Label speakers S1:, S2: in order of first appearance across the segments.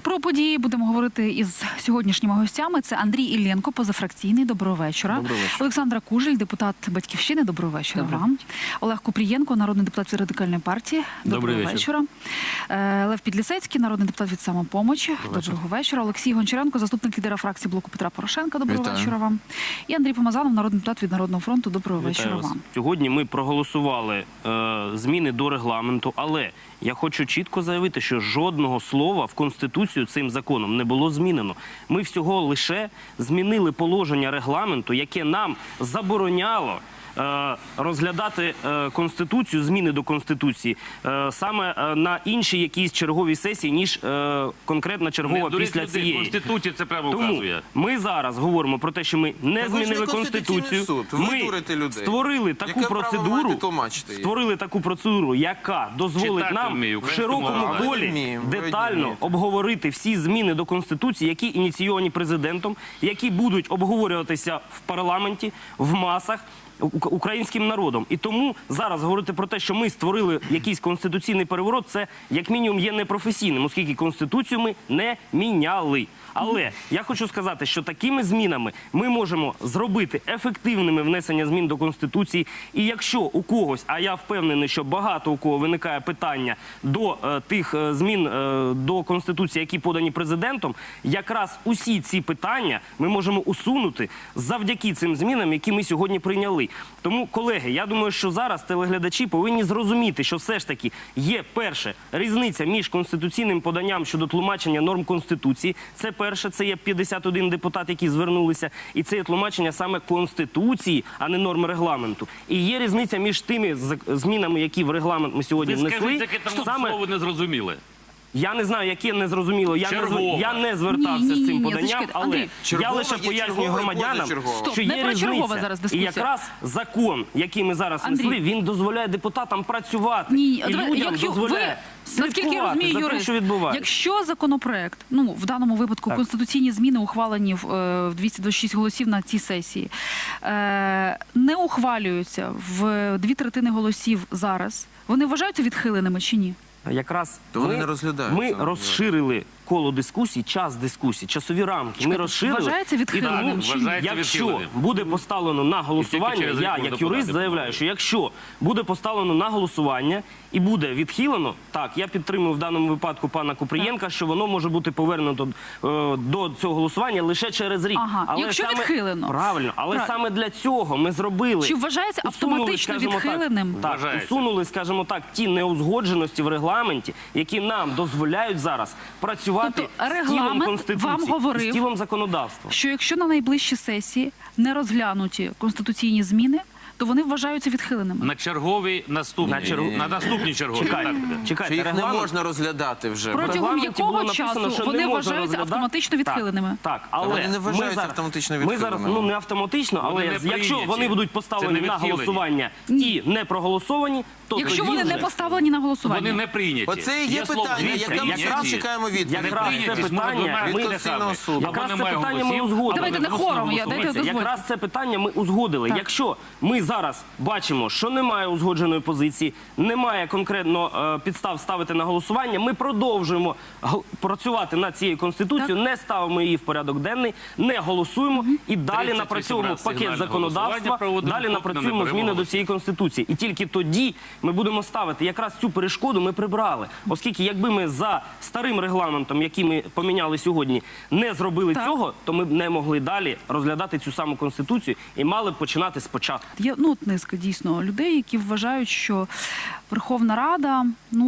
S1: Про події будемо говорити із сьогоднішніми гостями. Це Андрій Іллєнко, позафракційний. Доброго вечора.
S2: Доброго вечора.
S1: Олександра Кужель, депутат «Батьківщини». Доброго вечора вам. Олег Купрієнко, народний депутат від Радикальної партії. Доброго вечора. Лев Підлісецький, народний депутат від «Самопомочі». Доброго вечора. Олексій Гончаренко, заступник лідера фракції «Блоку Петра Порошенка». Доброго вечора вам. І Андрій Помазанов, народний депутат від «Народного фронту». Доброго вечора вам.
S2: Сьогодні ми проголосували зміни до регламенту, але я хочу чітко заявити, що жодного слова в Конституцію цим законом не було змінено. Ми всього лише змінили положення регламенту, яке нам забороняло розглядати Конституцію, зміни до Конституції, саме на іншій якійсь черговій сесії, ніж конкретна чергова після цієї.
S3: Конституція це прямо вказує.
S2: Тому ми зараз говоримо про те, що ми не змінили Конституцію. Ми створили таку процедуру, яка дозволить нам в широкому колі детально обговорити всі зміни до Конституції, які ініційовані президентом, які будуть обговорюватися в парламенті, в масах, українським народом. І тому зараз говорити про те, що ми створили якийсь конституційний переворот, це як мінімум є непрофесійним, оскільки Конституцію ми не міняли. Але я хочу сказати, що такими змінами ми можемо зробити ефективними внесення змін до Конституції. І якщо у когось, а я впевнений, що багато у кого виникає питання до тих змін до Конституції, які подані президентом, якраз усі ці питання ми можемо усунути завдяки цим змінам, які ми сьогодні прийняли. Тому, колеги, я думаю, що зараз телеглядачі повинні зрозуміти, що все ж таки є, перше, різниця між конституційним поданням щодо тлумачення норм Конституції. Це перше, це є 51 депутат, які звернулися, і це є тлумачення саме Конституції, а не норми регламенту. І є різниця між тими змінами, які в регламент ми сьогодні внесли.
S3: Ви скажіть, яке там слово не зрозуміли?
S2: Я не знаю, яке не зрозуміло. Я не звертався з цим поданням, але я лише пояснюю громадянам, що є різниця. І якраз закон, який ми зараз внесли, він дозволяє депутатам працювати. І людям дозволяє слідкувати за тим, що відбувається.
S1: Якщо законопроект, ну, в даному випадку конституційні зміни ухвалені в 226 голосів на цій сесії, не ухвалюються в 2/3 голосів зараз, вони вважаються відхиленими чи ні?
S2: Якраз
S4: ми
S2: розширили коло дискусій, час дискусій, часові рамки. Ми розширили.
S1: Вважається відхиленим чи ні?
S2: Якщо буде поставлено на голосування, я як юрист заявляю, що якщо буде поставлено на голосування і буде відхилено, так, я підтримую в даному випадку пана Купрієнка, що воно може бути повернуто до цього голосування лише через рік.
S1: Але якщо відхилено.
S2: Правильно, але саме для цього ми зробили.
S1: Чи вважається автоматично відхиленим?
S2: Так, усунули, скажімо так, ті неузгодженості в регламенті, які нам дозволяють зараз працювати з тілом Конституції, з тілом законодавства.
S1: Що якщо на найближчі сесії не розглянуті конституційні зміни, то вони вважаються відхиленими.
S3: На черговій на наступній черговій.
S4: Чекайте, їх не можна розглядати вже.
S1: Протягом якого часу вони вважаються автоматично відхиленими?
S2: Так, але
S4: вони не вважаються автоматично відхиленими.
S2: Ми зараз, ну не автоматично, але якщо вони будуть поставлені на голосування і не проголосовані, то
S1: якщо вони не поставлені на голосування.
S3: Вони не прийняті.
S4: Оце і є питання, яке ми зараз чекаємо відповідь.
S2: Якраз це питання ми узгодили.
S1: Давайте не хором,
S2: якраз це питання ми узгодили. Якщо ми зараз бачимо, що немає узгодженої позиції, немає конкретно підстав ставити на голосування, ми продовжуємо працювати над цією Конституцією, не ставимо її в порядок денний, не голосуємо і далі напрацьовуємо пакет законодавства, далі напрацюємо зміни до цієї Конституції. І тільки тоді ми будемо ставити. Якраз цю перешкоду ми прибрали. Оскільки якби ми за старим регламентом, який ми поміняли сьогодні, не зробили цього, то ми б не могли далі розглядати цю саму Конституцію і мали б починати спочатку.
S1: Є низка дійсно людей, які вважають, що Верховна Рада,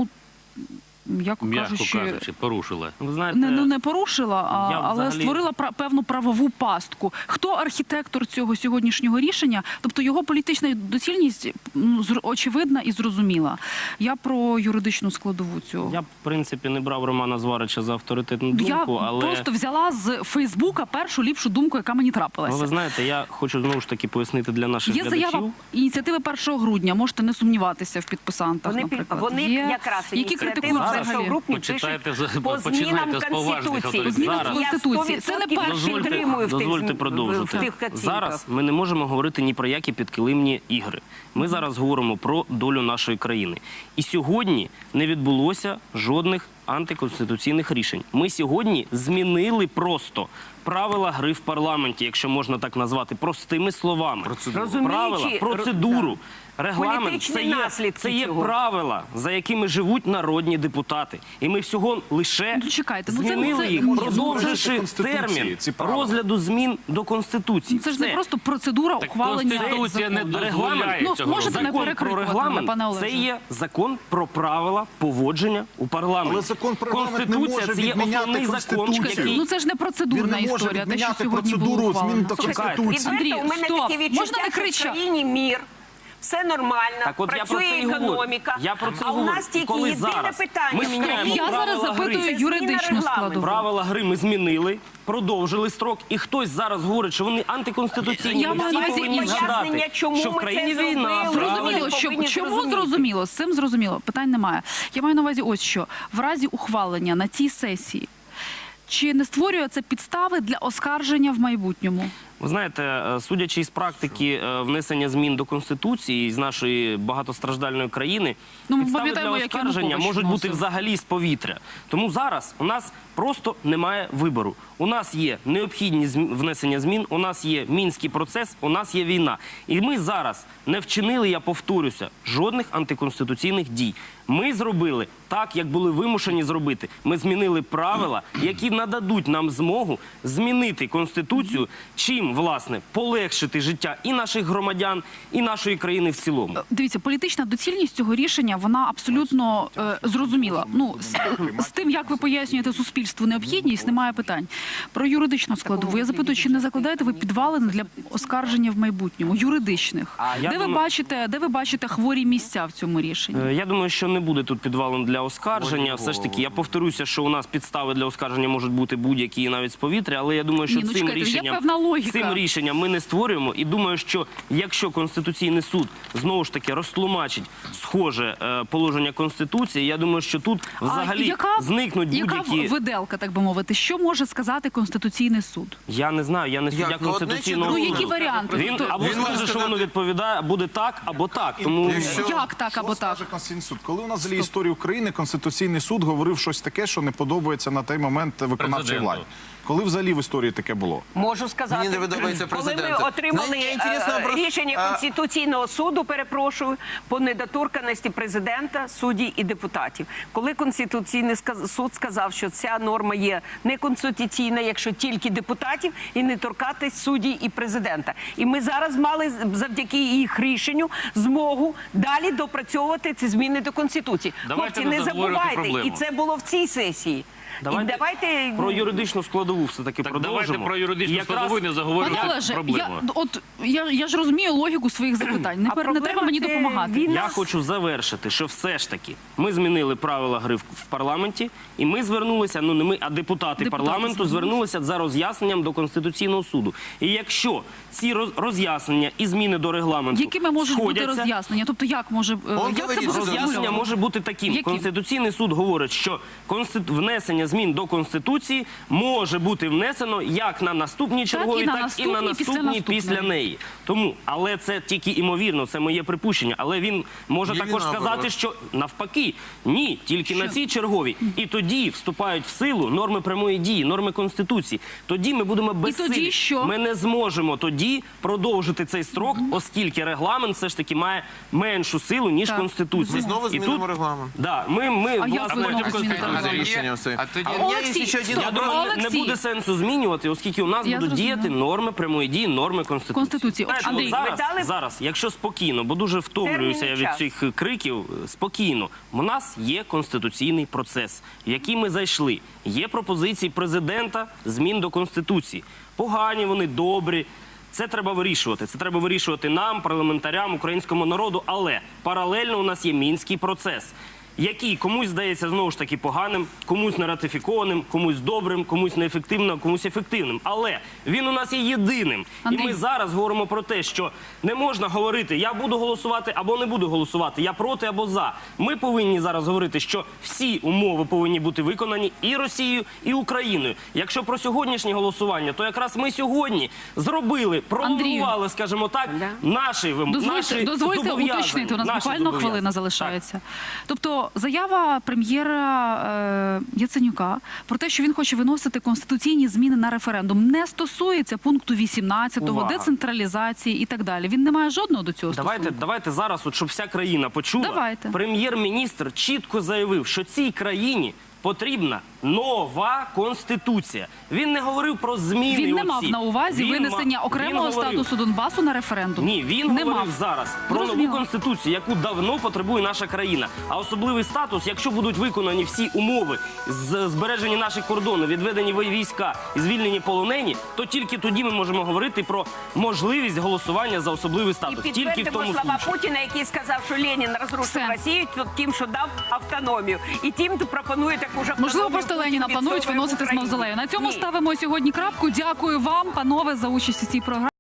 S3: м'яко кажучи, порушила.
S2: Ви знаєте,
S1: не порушила, але створила певну правову пастку. Хто архітектор цього сьогоднішнього рішення? Тобто його політична доцільність очевидна і зрозуміла. Я про юридичну складову цього.
S2: Я б, в принципі, не брав Романа Зварича за авторитетну думку, але...
S1: Я просто взяла з Фейсбука першу ліпшу думку, яка мені трапилася.
S2: Ви знаєте, я хочу знову ж таки пояснити для наших глядачів.
S1: Є заява ініціативи 1 грудня, можете не сумніватися в підписантах, наприклад.
S5: Вони якраз ініціативи першогрупні пишуть по змінам Конституції.
S1: Це не перший.
S2: Дозвольте продовжити. Зараз ми не можемо говорити ні про які підкилимні ігри. Ми зараз говоримо про долю нашої країни. І сьогодні не відбулося жодних антиконституційних рішень. Ми сьогодні змінили просто правила гри в парламенті, якщо можна так назвати, простими словами. Правила, процедуру. Регламент це є правила, за якими живуть народні депутати. І ми всього лише змінили їх, продовживши термін розгляду змін до Конституції.
S1: Це ж не просто процедура ухвалення
S3: Конституція не дозволяє цього
S1: можете не
S2: Закон про регламент – це є закон про правила поводження у парламенті.
S6: Але закон про регламент не може відміняти Конституцію.
S1: Ну це ж не процедурна
S6: Він не може
S1: історія, те, що
S6: відміняти
S1: сьогодні було
S6: процедуру змін
S1: ухвалено.
S6: до
S5: Слухайте,
S6: Конституції.
S5: відверто, у мене
S1: Стоп,
S5: таке
S1: можна
S5: відчуття,
S1: не
S5: що в
S1: кричати?
S5: країні мір, все нормально,
S2: Так от я про
S5: працює
S2: це і говорю.
S5: економіка,
S2: Я про це
S5: а у
S2: говорю.
S5: нас
S2: І
S5: тільки
S2: коли
S5: єдине
S2: зараз
S5: питання.
S2: ми
S5: в
S2: міняємо
S5: країні.
S1: Я зараз
S2: правила гри.
S1: запитую
S5: Це зміна
S1: юридичну
S5: регламенту.
S1: складову.
S2: Правила гри ми змінили, продовжили строк, і хтось зараз говорить, що вони антиконституційні.
S1: Я
S2: Ми
S1: маю
S2: всі
S1: на увазі
S2: повинні
S1: інше.
S2: згадати,
S5: Пояснення, чому
S2: що в
S5: ми
S2: країні
S5: це
S2: війна.
S5: зробили.
S2: правильно?
S1: Зрозуміло,
S5: повинні
S1: чому
S5: зрозуміти.
S1: зрозуміло, з цим зрозуміло, питань немає. Я маю на увазі ось що. В разі ухвалення на цій сесії, чи не створює це підстави для оскарження в майбутньому?
S2: Ви знаєте, судячи із практики внесення змін до Конституції з нашої багатостраждальної країни,
S1: Ну, ми
S2: підстави для
S1: пам'ятаємо, як
S2: оскарження
S1: Янукович
S2: можуть бути
S1: вносив.
S2: взагалі з повітря. Тому зараз у нас просто немає вибору. У нас є необхідність внесення змін, у нас є Мінський процес, у нас є війна. І ми зараз не вчинили, я повторюся, жодних антиконституційних дій. Ми зробили так, як були вимушені зробити. Ми змінили правила, які нададуть нам змогу змінити Конституцію, чим, власне, полегшити життя і наших громадян, і нашої країни в цілому.
S1: Дивіться, політична доцільність цього рішення, вона абсолютно зрозуміла. Ну, з тим, як ви пояснюєте суспільству необхідність, немає питань. Про юридичну складову. Я запитую, чи не закладаєте ви підвалини для оскарження в майбутньому, юридичних? Де ви бачите хворі місця в цьому рішенні?
S2: Я думаю, що не буде тут підвалом для оскарження. Все ж таки, я повторюся, що у нас підстави для оскарження можуть бути будь-які, навіть з повітря, але я думаю, що
S1: Ні, ну, чекайте, є певна логіка.
S2: цим рішенням ми не створюємо. І думаю, що якщо Конституційний суд знову ж таки розтлумачить схоже положення Конституції, я думаю, що тут взагалі зникнуть будь-які...
S1: Яка виделка, так би мовити? Що може сказати Конституційний суд?
S2: Я не знаю, я не суддя
S4: Як? Ну,
S2: Конституційного
S4: одне чи
S2: суду.
S1: друге? Ну, які варіанти?
S2: Він
S1: Тобто-
S2: або
S4: Він
S2: скаже,
S4: може
S2: що воно
S4: сказати-
S2: відповідає, буде так, або так. Тому...
S1: Як так або
S6: Що
S1: так?
S6: скаже Конституційний суд? Коли у нас взагалі історії України Конституційний суд говорив щось таке, що не подобається на той момент виконавчій
S3: Президенту.
S6: владі? Коли взагалі в історії таке було?
S5: Можу сказати,
S4: Мені не подобається
S5: коли
S4: президент.
S5: ми отримали
S4: Знаєте, інтересно просто-
S5: рішення Конституційного суду, перепрошую, по недоторканності президента, судді і депутатів. Коли Конституційний суд сказав, що ця норма є неконституційна, якщо тільки депутатів, і не торкатись судді і президента. І ми зараз мали завдяки їх рішенню змогу далі допрацьовувати ці зміни до Конституції.
S3: Давайте
S5: Хлопці,
S3: не
S5: не
S3: заговорювати
S5: забувайте,
S3: проблему.
S5: і це було в цій сесії.
S2: Давайте про юридичну складову все-таки
S3: Так
S2: продовжимо.
S3: давайте про юридичну
S2: І якраз-
S3: складову і не
S1: Пане
S3: заговорювати
S1: Олеже,
S3: проблему.
S1: я ж розумію логіку своїх запитань. Не
S5: проблема
S1: треба мені
S5: це
S1: допомагати.
S5: війна.
S2: Я хочу завершити, що все ж таки ми змінили правила гри в парламенті, і ми звернулися, ну не ми, а депутати парламенту звернулися за роз'ясненням до Конституційного суду. І якщо ці роз'яснення і зміни до регламенту
S1: Якими можуть бути
S2: сходяться,
S1: роз'яснення? Тобто як може як це
S4: говорить,
S1: буде
S4: що
S2: роз'яснення
S1: сформульовано?
S2: може бути таким.
S1: Яким?
S2: Конституційний суд говорить, що внесення змін до Конституції може бути внесено як на наступній черговій,
S1: і на
S2: так і на
S1: наступній, після
S2: наступній
S1: наступної.
S2: після неї. Тому, але це тільки імовірно, це моє припущення. Але він може
S4: Є
S2: також
S4: війна,
S2: сказати,
S4: наоборот.
S2: що навпаки, ні, тільки на цій черговій. І тоді вступають в силу норми прямої дії, норми Конституції. Тоді ми будемо безсилі.
S1: тоді що?
S2: Ми не зможемо тоді продовжити цей строк, оскільки регламент все ж таки має меншу силу, ніж
S1: Так.
S2: Конституція.
S4: Ми знову
S2: І
S4: змінимо
S2: тут-
S4: регламент.
S2: Да, ми
S1: А як
S2: власне,
S1: ви знову зміните регламент?
S4: Рішенням все.
S1: Олексій,
S4: ще один
S1: стоп.
S2: я думаю, не
S1: Олексій.
S2: буде сенсу змінювати, оскільки у нас
S1: Я
S2: будуть
S1: зрозуміла.
S2: діяти норми прямої дії, норми Конституції.
S1: От,
S2: Знаєте,
S1: Андрій,
S2: от
S5: ви дали
S2: зараз, якщо спокійно, бо дуже втомлююся я від
S5: термін і
S2: цих криків, спокійно. У нас є конституційний процес, в який ми зайшли. Є пропозиції президента змін до Конституції. Погані вони, добрі. Це треба вирішувати. Це треба вирішувати нам, парламентарям, українському народу. Але паралельно у нас є Мінський процес, який комусь здається знову ж таки поганим, комусь не ратифікованим, комусь добрим, комусь неефективним, комусь ефективним. Але він у нас є єдиним.
S1: Андрій.
S2: І ми зараз говоримо про те, що не можна говорити, я буду голосувати або не буду голосувати, я проти або за. Ми повинні зараз говорити, що всі умови повинні бути виконані і Росією, і Україною. Якщо про сьогоднішнє голосування, то якраз ми сьогодні зробили, пролонгували, скажімо так, наші
S1: Дозвольте
S2: зобов'язання.
S1: уточнити, у нас
S2: Наші
S1: буквально
S2: зобов'язання.
S1: хвилина залишається. Тобто що заява прем'єра Яценюка про те, що він хоче виносити конституційні зміни на референдум, не стосується пункту 18-го,
S2: Увага.
S1: децентралізації і так далі. Він не має жодного до цього стосунку.
S2: Давайте зараз, от, щоб вся країна почула.
S1: Давайте.
S2: Прем'єр-міністр чітко заявив, що цій країні потрібна нова конституція. Він не говорив про зміни.
S1: Він не мав на увазі винесення окремого статусу Донбасу на референдум.
S2: Ні, він
S1: не
S2: говорив
S1: мав
S2: зараз про
S1: Зрозуміло.
S2: нову конституцію, яку давно потребує наша країна. А особливий статус, якщо будуть виконані всі умови, збережені наші кордони, відведені війська і звільнені полонені, то тільки тоді ми можемо говорити про можливість голосування за особливий
S5: І
S2: статус. Тільки в
S5: підтвердимо
S2: тому
S5: слова
S2: случаю.
S5: Путіна, який сказав, що Ленін розрушив
S1: Все.
S5: Росію тим, що дав автономію. І тим, хто пропонує таку ж автономію.
S1: Можливо, просто
S5: Путін
S1: Леніна планують
S5: відстоює в
S1: виносити з
S5: Україні.
S1: мавзолею. На цьому
S5: Ні.
S1: ставимо сьогодні крапку. Дякую вам, панове, за участь у цій програмі.